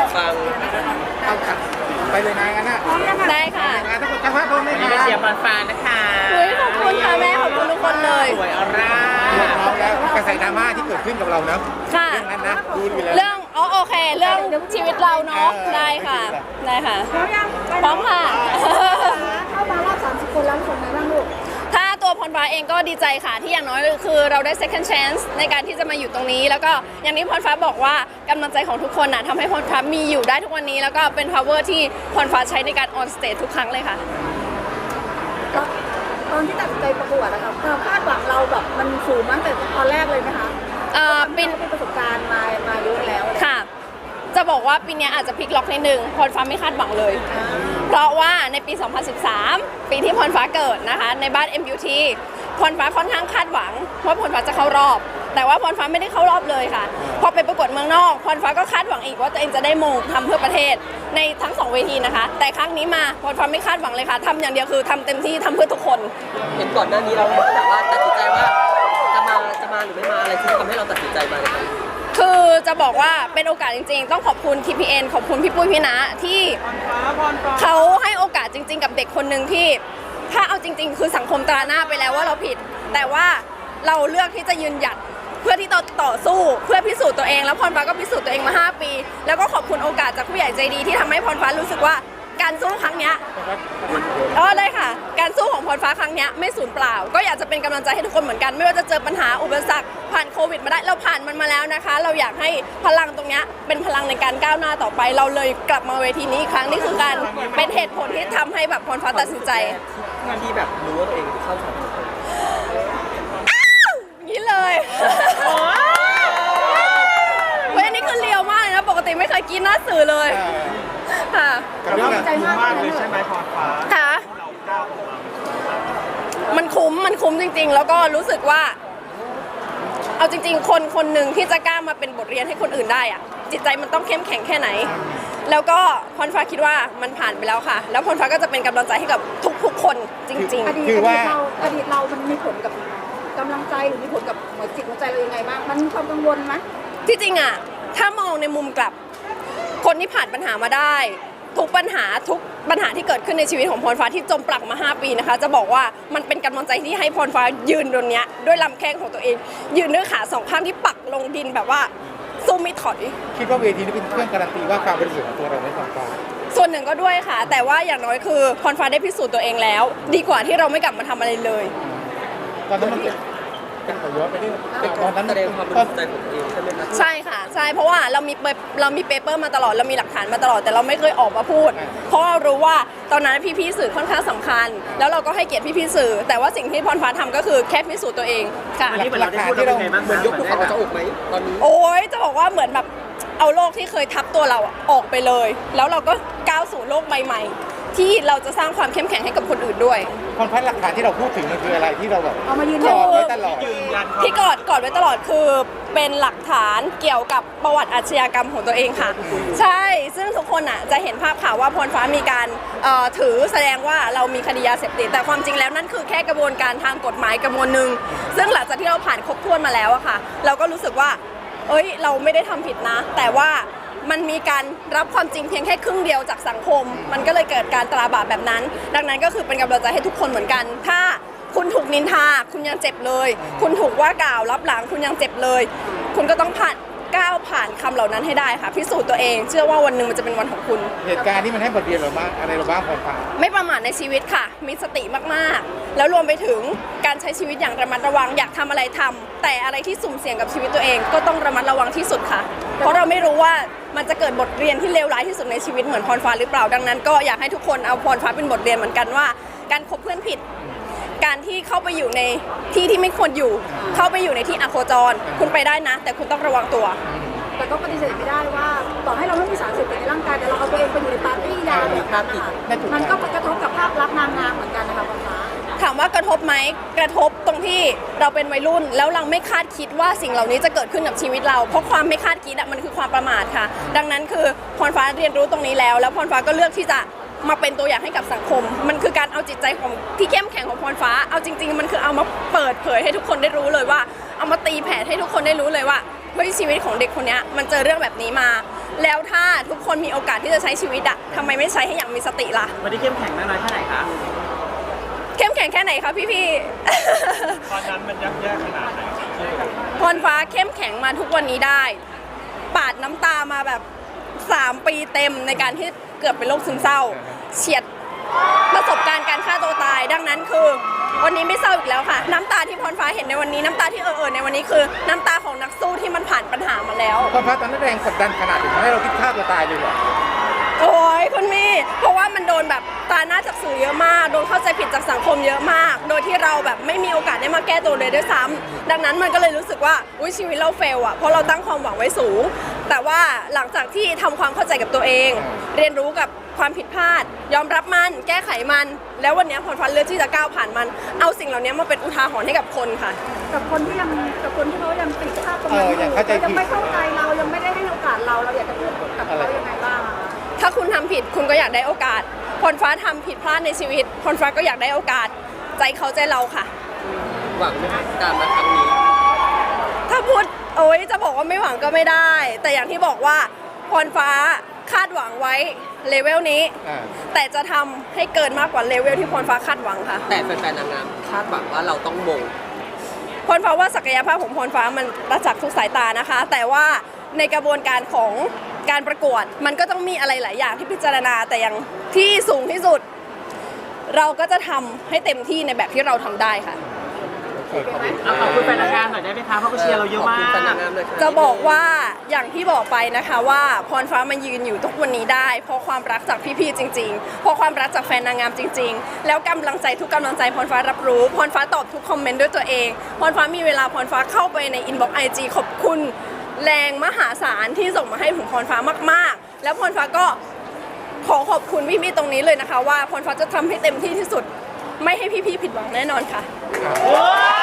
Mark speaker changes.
Speaker 1: ฟัง
Speaker 2: เอาค่ะไปเลยนะงั้นนะ
Speaker 3: ได้ค่ะ
Speaker 2: ถ้าคนจะว่าพร้อมไหม
Speaker 1: นี่
Speaker 2: คะ
Speaker 1: ไปเชียร์บอลฟ้านะคะ
Speaker 3: ขอบคุณค่ะแม่ขอบคุณทุกคนเลย
Speaker 1: สวยออร่า
Speaker 2: พร้อมแล้วกระแสดราม่าที่เกิดขึ้นกับเรานะ
Speaker 3: ค่ะ
Speaker 2: เรื่องนั้นนะดูดีแล้ว
Speaker 3: เรื่องโอเค เรื่องชีวิตเราเนาะได้ค่ะได้ค่ะพร้อมค่ะ
Speaker 4: เข้ามารอบ30 คนแล้วคนไหนบ้างลูก
Speaker 3: ถ้าตัวพรฟ้าเองก็ดีใจค่ะที่อย่างน้อยคือเราได้ second chance ในการที่จะมาอยู่ตรงนี้ แล้วก็อย่างที่พรฟ้าบอกว่ากำลังใจของทุกคนน่ะทำให้พรฟ้ามีอยู่ได้ทุกวันนี้ แล้วก็เป็น power ที่พรฟ้าใช้ในการ on stage ทุกครั้งเลยค่ะ
Speaker 4: ตอนที่ตัดสินใจประกวดนะครับความคาดหวังเราแบบมันสูงมากแต่ตอนแรกเลยไหมคะ
Speaker 3: ปีน
Speaker 4: เราเป็นประสบการณ์มาเยอะแล้ว
Speaker 3: ค่ะ จะบอกว่าปีนี้อาจจะพลิกล็อกนิดนึงพรฟ้าไม่คาดหวังเลย เพราะว่าในปี 2013 ปีที่พรฟ้าเกิดนะคะในบ้าน MUT พรฟ้าค่อนข้างคาดหวังว่าพรฟ้าจะเข้ารอบ แต่ว่าพรฟ้าไม่ได้เข้ารอบเลยค่ะพอไปประกวดเมืองนอกพรฟ้าก็คาดหวังอีกว่าตัวเองจะได้มงทำเพื่อประเทศในทั้ง2เวทีนะคะแต่ครั้งนี้มาพรฟ้าไม่คาดหวังเลยค่ะทำอย่างเดียวคือทำเต็มที่ทำเพื่อทุกคน
Speaker 1: เห็นก่อนหน้านี้เราแบบว่าตัดสินใจว่าจะมาหรือไม่มาอะไรที่ทำให้เราตัดสินใจมาเลย
Speaker 3: คือจะบอกว่าเป็นโอกาสจริงๆต้องขอบคุณ TPN ขอบคุณพี่ปุ้ยพี่ณที่เขาให้โอกาสจริงๆกับเด็กคนหนึ่งที่ถ้าเอาจริงๆคือสังคมตราหน้าไปแล้วว่าเราผิด แต่ว่าเราเลือกที่จะยืนหยัดเพื่อที่ต่อสู้เพื่อพิสูจน์ตัวเองแล้วพรฟ้าก็พิสูจน์ตัวเองมา5 ปีแล้วก็ขอบคุณโอกาสจากผู้ใหญ่ใจดีที่ทำให้พรฟ้ารู้สึกว่าการสู้ครั้งเนี้ยเลยค่ะการสู้ของพรฟ้าครั้งเนี้ยไม่สูญเปล่าก็อยากจะเป็นกำลังใจให้ทุกคนเหมือนกันไม่ว่าจะเจอปัญหาอุปสรรคผ่านโควิดมาได้เราผ่านมันมาแล้วนะคะเราอยากให้พลังตรงเนี้ยเป็นพลังในการก้าวหน้าต่อไปเราเลยกลับมาเวทีนี้อีกครั้งนี่คือการเป็นเหตุผลที่ทำให้แบบพรฟ้าตัดสินใจ
Speaker 1: ที่แบบรู้ว่าตัวเองเข้าสอบ
Speaker 3: อย่างนี้เลยเฮ้ยอันนี้คือเลียวมากเลยนะปกติไม่เคยกินหน้าสื่อเลยค่ะ
Speaker 2: กับเรื่อง
Speaker 4: ใจมากเลยใช่ไหม
Speaker 3: ค่ะมันคุ้มจริงๆ แล้วก็รู้สึกว่าเอาจริงๆคนหนึ่งที่จะกล้ามาเป็นบทเรียนให้คนอื่นได้อะจิตใจมันต้องเข้มแข็งแค่ไหนแล้วก็พรฟ้าคิดว่ามันผ่านไปแล้วค่ะแล้วพรฟ้าก็จะเป็นกำลังใจให้กับทุกๆคนจริง
Speaker 4: อดีตเรามันมีผลกับกำลังใจหรือมีผลกับหัวจิตหัวใจเรายังไงบ้างมันมีความกังวลไหม
Speaker 3: ๆที่จริงอะถ้ามองในมุมกลับคนที่ผ่านปัญหามาได้ทุกปัญหาที่เกิดขึ้นในชีวิตของพรฟ้าที่จมปลักมา5 ปีนะคะจะบอกว่ามันเป็นกำลังใจที่ให้พรฟ้ายืนตรงนี้ด้วยลำแข้งของตัวเองยืนด้วยขา2 ข้างที่ปักลงดินแบบว่าสู้ไม่ถอย
Speaker 2: คิดว่าเวทีนี้เป็นเครื่องการันตีว่าความบริสุทธิ์ของตัวเราไม่ความตาย
Speaker 3: ส่วนหนึ่งก็ด้วยค่ะ แต่ว่าอย่างน้อยคือพรฟ้าได้พิสูจน์ตัวเองแล้ว ดีกว่าที่เราไม่กลับมาทำอะไรเลย
Speaker 2: ตอนนั้นมันเป็นขอย้อนไปเรื่องตอนนั้น
Speaker 1: แสดงความบริสุทธิ์ใจของตัวเองใช่ไหมคะ
Speaker 3: ใช่ค่ะใช่เพราะว่าเรามีเปเปอร์มาตลอดเรามีหลักฐานมาตลอดแต่เราไม่เคยออกมาพูด เพราะเรารู้ว่าตอนนั้นพี่สื่อค่อนข้างสำคัญ แล้วเราก็ให้เกียรติพี่สื่อ แต่ว่าสิ่งที่พรฟ้าทำก็คือแค่พิสูจน์ตัวเองค่ะ
Speaker 1: อันนี้เหมือนเราได้พูดเราเป็นไงบ้างเหมือนยกภูเขาจะอกไหมตอนนี้
Speaker 3: โอ้ยจะบอกว่าเหมือนแบบเอาโลกที่เคยทับตัวเราออกไปเลย แล้วเราก็ก้าวสู่โลกใบใหม่ที่เราจะสร้างความเข้มแข็งให้กับคนอื่นด้วย
Speaker 2: คนพันหลักฐานที่เราพูดถึงมันคืออะไรที่เราแบบ
Speaker 4: เอามายืน
Speaker 2: ก
Speaker 4: ยัน
Speaker 2: อดไว้ตลอด
Speaker 3: ที่กอดไว้ตลอดคือเป็นหลักฐานเกี่ยวกับประวัติอาชญากรรมของตัวเองค่ะ ใช่ซึ่งทุกคนอ่ะจะเห็นภาพข่าวว่าพรฟ้ามีการถือแสดงว่าเรามีคดียาเสพติดแต่ความจริงแล้วนั่นคือแค่กระบวนการทางกฎหมายกระบวนหนึ่งซึ่งหลังจากที่เราผ่านครบถ้วนมาแล้วอะค่ะเราก็รู้สึกว่าเอ้ยเราไม่ได้ทำผิดนะ แต่ว่ามันมีการรับความจริงเพียงแค่ครึ่งเดียวจากสังคม มันก็เลยเกิดการตราบาปแบบนั้น ดังนั้นก็คือเป็นกำลังใจให้ทุกคนเหมือนกัน ถ้าคุณถูกนินทาคุณยังเจ็บเลย คุณถูกว่ากล่าวรับหลังคุณยังเจ็บเลย คุณก็ต้องก้าวผ่านคำเหล่านั้นให้ได้ค่ะพิสูจน์ตัวเองเชื่อว่าวันหนึ่งมันจะเป็นวันของคุณ
Speaker 2: เหตุการณ์นี้มันให้บทเรียนเราบ้างอะไรเราบ้างความตาย
Speaker 3: ไม่ประมาทในชีวิตค่ะ มีสติมากๆ แล้วรวมไปถึงการใช้ชีวิตอย่างระมัดระวัง อยากทำอะไรทำแต่อะไรที่สุ่มเสี่ยงกับชีวิตตัวเองก็ต้องระมัดระวังที่สุดค่ะ เพราะเราไม่รู้ว่ามันจะเกิดบทเรียนที่เลวร้ายที่สุดในชีวิตเหมือนพรฟ้าหรือเปล่า ดังนั้นก็อยากให้ทุกคนเอาพรฟ้าเป็นบทเรียนเหมือนกันว่า การคบเพื่อนผิด การที่เข้าไปอยู่ในที่ที่ไม่ควรอยู่ เข้าไปอยู่ในที่อโคจร คุณไปได้นะ แต่คุณต้องระวังตัว
Speaker 4: แต่ก็ปฏิเสธไม่ได้ว่าต่อให้เราไม่มีสารเสพติดในร่างกายแต่เราเอาตัวเองไปอยู่ในปาร์ตี้ยาแบบนั้นนะคะมันก็กระทบกับภาพลักษณ์นางงามเหมือนกันนะคะคุณฟ้า
Speaker 3: ถามว่ากระทบไหมกระทบตรงที่เราเป็นวัยรุ่นแล้วเราไม่คาดคิดว่าสิ่งเหล่านี้จะเกิดขึ้นกับชีวิตเราเพราะความไม่คาดคิดมันคือความประมาทค่ะดังนั้นคือพรฟ้าเรียนรู้ตรงนี้แล้วพรฟ้าก็เลือกที่จะมาเป็นตัวอย่างให้กับสังคมมันคือการเอาจิตใจของที่เข้มแข็งของพรฟ้าเอาจริงๆมันคือเอามาเปิดเผยให้ทุกคนได้รู้เลยว่าเอามาตีแผ่ให้ทุกคนได้รู้เลยว่าเฮ้ยชีวิตของเด็กคนนี้มันเจอเรื่องแบบนี้มา แล้วถ้าทุกคนมีโอกาสที่จะใช้ชีวิตอะทำไมไม่ใช้ให้อย่างมีสติล่ะ
Speaker 1: วันนี้เข้มแข็งมากน้อยแค่ไหนคะ
Speaker 3: เข้มแข็งแค่ไหนคะพี่ๆ
Speaker 2: ตอนนั้นมันยากขนาดไหน
Speaker 3: พรฟ้าเข้มแข็งมาทุกวันนี้ได้ ปาดน้ำตามาแบบ 3 ปีเต็มในการที่เกือบเป็นโรคซึมเศร้า เฉียดประสบการณ์การฆ่าตัวตาย ดังนั้นคือวันนี้ไม่เศร้าอีกแล้วค่ะ น้ำตาที่พรฟ้าเห็นในวันนี้น้ำตาที่ในวันนี้คือ น้ำตาของนักสู้ที่มันผ่านปัญหามาแล้ว
Speaker 2: ความพัดตอนนั้นแรงกดดันขนาดถึงทำให้เราคิดฆ่าตัวตายเลยเหรอ
Speaker 3: โอ้ยคุณมี่เพราะว่ามันโดนแบบตาหน้าจากสื่อเยอะมาก โดนเข้าใจผิดจากสังคมเยอะมาก โดยที่เราแบบไม่มีโอกาสได้มาแก้ตัวเลยด้วยซ้ำดังนั้นมันก็เลยรู้สึกว่าอุ้ยชีวิตเราเฟลอะเพราะเราตั้งความหวังไว้สูง แต่ว่าหลังจากที่ทำความเข้าใจกับตัวเอง เรียนรู้กับความผิดพลาด ยอมรับมันแก้ไขมัน แล้ววันนี้พรฟ้าเลือกที่จะก้าวผ่านมัน เอาสิ่งเหล่านี้มาเป็นอุทาหรณ์ให้กับคนค่ะ
Speaker 4: กับคนที่เขายังติดภาพตรงนั้นอยู่ยังไม่เข้าใจเรายังไม่ได้ให้โอกาสเราอยากจะพูดกับเขายังไงบ้างอะ
Speaker 3: ถ้าคุณทำผิดคุณก็อยากได้โอกาสพรฟ้าทำผิดพลาดในชีวิตพรฟ้าก็อยากได้โอกาสใจเขาใจเราค่ะ
Speaker 1: หวังไหมคะการมาครั้งนี้
Speaker 3: ถ้าพูดโอ๊ยจะบอกว่าไม่หวังก็ไม่ได้ แต่อย่างที่บอกว่าพรฟ้าคาดหวังไว้เลเวลนี้ แต่จะทำให้เกินมากกว่าเลเวลที่พรฟ้าคาดหวังค่ะ
Speaker 1: แต่แฟนๆนางงามคาดหวังว่าเราต้องมง
Speaker 3: พรฟ้าว่าศักยภาพของพรฟ้ามันประจักษ์ทุกสายตานะคะ แต่ว่าในกระบวนการของการประกวดมันก็ต้องมีอะไรหลายอย่างที่พิจารณาแต่อย่างที่สูงที่สุด เราก็จะทำให้เต็มที่ในแบบที่เราทำได้ค่ะ
Speaker 1: ขอบคุณแฟนนางงามหน่อยได้ไหมคะเพราะเขาเชียร์เราเยอะมากขอบคุณแฟนนางงามเลยค่ะ
Speaker 3: จะบอกว่าอย่างที่บอกไปนะคะว่าพรฟ้ามายืนอยู่ทุกวันนี้ได้ เพราะความรักจากพี่ๆจริงๆเพราะความรักจากแฟนนางงามจริง ๆ แล้วกำลังใจทุกกำลังใจพรฟ้ารับรู้พรฟ้าตอบทุกคอมเมนต์ด้วยตัวเองพรฟ้ามีเวลาพรฟ้าเข้าไปในอินบ็อกซ์IG ขอบคุณแรงมหาศาลที่ส่งมาให้ถึงพรฟ้ามากๆ แล้วพรฟ้าก็ขอขอบคุณพี่ๆตรงนี้เลยนะคะว่าพรฟ้าจะทำให้เต็มที่ที่สุด ไม่ให้พี่ๆผิดหวังแน่นอนค่ะ
Speaker 2: ว้า